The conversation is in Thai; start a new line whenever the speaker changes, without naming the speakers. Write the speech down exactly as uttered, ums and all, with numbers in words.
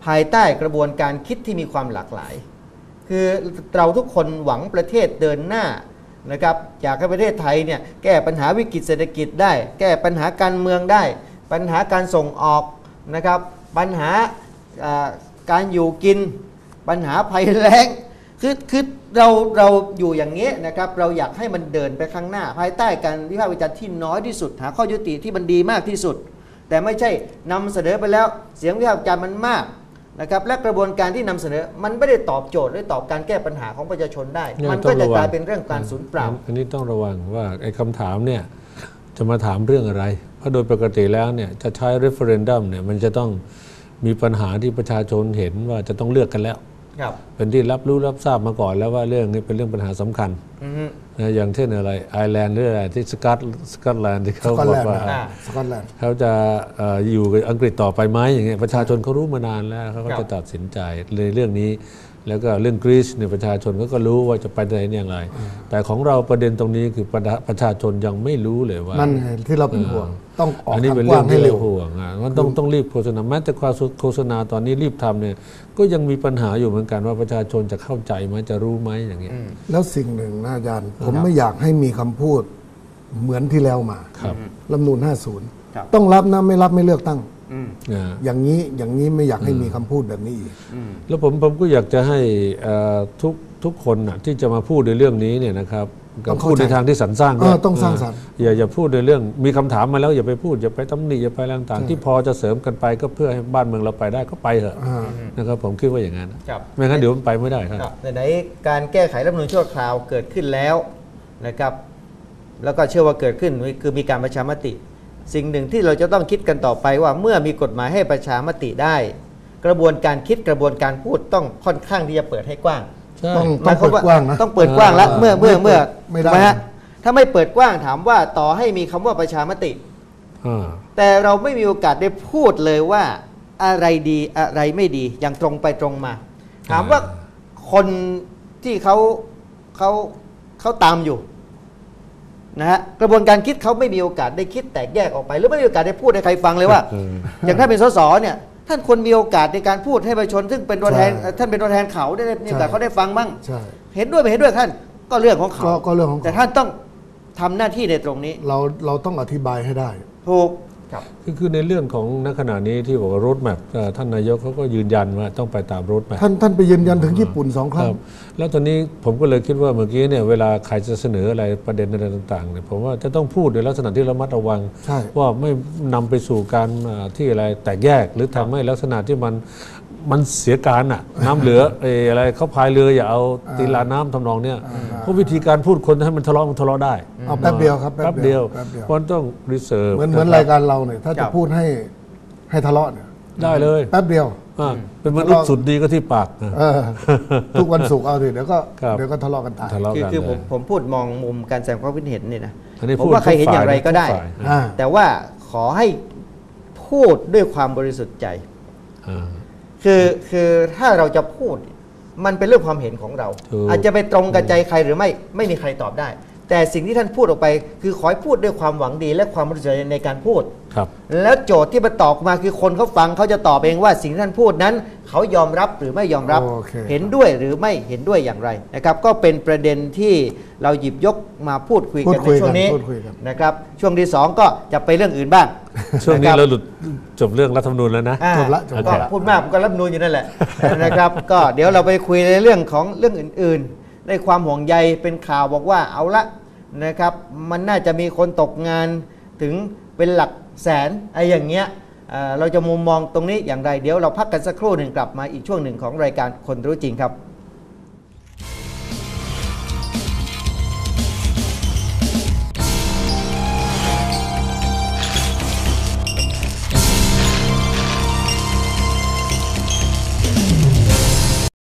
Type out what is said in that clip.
ภายใต้กระบวนการคิดที่มีความหลากหลายคือเราทุกคนหวังประเทศเดินหน้านะครับอยากให้ประเทศไทยเนี่ยแก้ปัญหาวิกฤตเศรษฐกิจได้แก้ปัญหาการเมืองได้ปัญหาการส่งออกนะครับปัญหาการอยู่กินปัญหาภัยแล้งคือคือเราเราอยู่อย่างนี้นะครับเราอยากให้มันเดินไปข้างหน้าภายใต้การวิพากษ์วิจารณ์ที่น้อยที่สุดหาข้อยุติที่มันดีมากที่สุดแต่ไม่ใช่นำเสนอไปแล้วเสียงวิพากษ์วิจารณ์มันมากนะครับและกระบวนการที่นำเสนอมันไม่ได้ตอบโจทย์หรือตอบการแก้ปัญหาของประชาชนได้มันก็จะกลายเป็นเรื่องการสูญเปล่า
อันนี้ต้องระวังว่าไอ้คำถามเนี่ยจะมาถามเรื่องอะไรเพราะโดยปกติแล้วเนี่ยจะใช้ referendum เนี่ยมันจะต้องมีปัญหาที่ประชาชนเห็นว่าจะต้องเลือกกันแล้วเป็นที่รับรู้รับทราบมาก่อนแล้วว่าเรื่องนี้เป็นเรื่องปัญหาสำคัญนะอย่างเช่นอะไรไอร์แลนด์หรืออะไรที่สกอตสกอตแลนด์ที่เขาบอกว่าเขาจะอยู่กับอังกฤษต่อไปไหมอย่างเงี้ยประชาชนเขารู้มานานแล้วเขาก็จะตัดสินใจในเรื่องนี้แล้วก็เรื่องกรีซเนี่ยประชาชนก็รู้ว่าจะไปไหนอย่างไรแต่ของเราประเด็นตรงนี้คือประชาชนยังไม่รู้เลยว่า
นั่นไงที่เราเป็นห่วงต้องออก
อันนี้เป็นเรื่องที่เราห่วงอ่ะมันต้องต้องรีบโฆษณาแม้แต่ความโฆษณาตอนนี้รีบทำเนี่ยก็ยังมีปัญหาอยู่เหมือนกันว่าประชาชนจะเข้าใจไหมจะรู้ไหมอย่างเงี้ย
แล้วสิ่งหนึ่งนะอาจารย์ผมไม่อยากให้มีคำพูดเหมือนที่แล้วมารัฐธรรมนูญห้าสิบต้องรับนะไม่รับไม่เลือกตั้งอย่างนี้อย่างนี้ไม่อยากให้มีคำพูดแบบนี้อีก
แล้วผมผมก็อยากจะให้ทุกทุกคนที่จะมาพูดในเรื่องนี้เนี่ยนะครับพูดในทางที่สรรสร้างด้วย
ต้องสร้างสรรค์
อย่าอย่าพูดในเรื่องมีคำถามมาแล้วอย่าไปพูดอย่าไปตำหนิอย่าไปต่างๆที่พอจะเสริมกันไปก็เพื่อให้บ้านเมืองเราไปได้ก็ไปเถอะนะครับผมคิดว่าอย่างนั้นไม่งั้นเดี๋ยวมันไปไม่ได้ครับ
ในการแก้ไขรัฐธรรมนูญชั่วคราวเกิดขึ้นแล้วนะครับแล้วก็เชื่อว่าเกิดขึ้นคือมีการประชามติสิ่งหนึ่งที่เราจะต้องคิดกันต่อไปว่าเมื่อมีกฎหมายให้ประชามติได้กระบวนการคิดกระบวนการพูดต้องค่อนข้างที่จะเปิดให้กว้าง
ต้องต้องเปิดกว้างนะ
ต้องเปิดกว้างแล้วเมื่อเมื่อเมื่อไม่ได้ฮะถ้าไม่เปิดกว้างถามว่าต่อให้มีคำว่าประชามติแต่เราไม่มีโอกาสได้พูดเลยว่าอะไรดีอะไรไม่ดีอย่างตรงไปตรงมาถามว่าคนที่เขาเขาเขาตามอยู่นะฮะกระบวนการคิดเขาไม่มีโอกาสได้คิดแตกแยกออกไปหรือไม่มีโอกาสได้พูดให้ใครฟังเลยว่าอย่างถ้าเป็นสสเนี่ยท่านควรมีโอกาสในการพูดให้ประชาชนซึ่งเป็นตัวแทนท่านเป็นตัวแทนเขาได้มีโอกาสเขาได้ฟังบ้างเห็นด้วยไม่เห็นด้วยท่านก็เรื่องของเขา
ก็เรื่องของ
แต่ท่านต้องทำหน้าที่ในตรงนี้
เราเราต้องอธิบายให้ได้
ถูก
คือคือในเรื่องของณขณะนี้ที่บอกว่าโรดแมพท่านนายกเขาก็ยืนยันว่าต้องไปตามโรดแมพ
ท่านท่านไปยืนยันถึงญี่ปุ่นสองครั้ง
แล้วตอนนี้ผมก็เลยคิดว่าเมื่อกี้เนี่ยเวลาใครจะเสนออะไรประเด็นอะไรต่างๆเนี่ยผมว่าจะต้องพูดในลักษณะที่ระมัดระวังว่าไม่นำไปสู่การที่อะไรแตกแยกหรือทำให้ลักษณะที่มันมันเสียการอ่ะน้ำเหลืออะไรเขาพายเรืออย่าเอาตีลาน้ำทำนองเนี่ยเพราะวิธีการพูดคนให้มันทะเลาะมันทะเลาะได้
เอาแป๊บเดียวครับ
แป๊บเดียวเพราะต้องรีเสิร์ฟ
เหมือนเหมือนรายการเราเนี่ยถ้าจะพูดให้ให้ทะเลาะเนี่ย
ได้เลย
แป๊บเดียว
เป็นมนุษย์สุดดีก็ที่ปาก
ทุกวันศุกร์เอาสิเดี๋ยวก็เดี๋ยวก็ทะเลาะกันตาย
คือคือผมผมพูดมองมุมการแสดงความคิดเห็นนี่นะผมว่าใครเห็นอย่างไรก็ได้แต่ว่าขอให้พูดด้วยความบริสุทธิ์ใจคือคือถ้าเราจะพูดมันเป็นเรื่องความเห็นของเราอาจจะไปตรงกับใจใครหรือไม่ไม่มีใครตอบได้แต่สิ่งที่ท่านพูดออกไปคือขอให้พูดด้วยความหวังดีและความบริสุทธิ์ใจในการพูดแล้วโจทย์ที่มันตอบมาคือคนเขาฟังเขาจะตอบเองว่าสิ่งที่ท่านพูดนั้นเขายอมรับหรือไม่ยอมรับเห็นด้วยหรือไม่เห็นด้วยอย่างไรนะครับก็เป็นประเด็นที่เราหยิบยกมาพูดคุยกันในช่วงนี้นะครับช่วงที่สองก็จะไปเรื่องอื่นบ้าง
ช่วงนี้เราหลุดจบเรื่องรัฐธรรมนูญแล้วนะ
จบละจบ
ก็พูดมากก็รัฐธรรมนูญอยู่นั่นแหละนะครับก็เดี๋ยวเราไปคุยในเรื่องของเรื่องอื่นๆในความห่วงใยเป็นข่าวบอกว่าเอาละนะครับมันน่าจะมีคนตกงานถึงเป็นหลักแสนไอ้อย่างเงี้ยเราจะมุมมองตรงนี้อย่างไรเดี๋ยวเราพักกันสักครู่หนึ่งกลับมาอีกช่วงหนึ่งของรายการคนรู้จริงครับ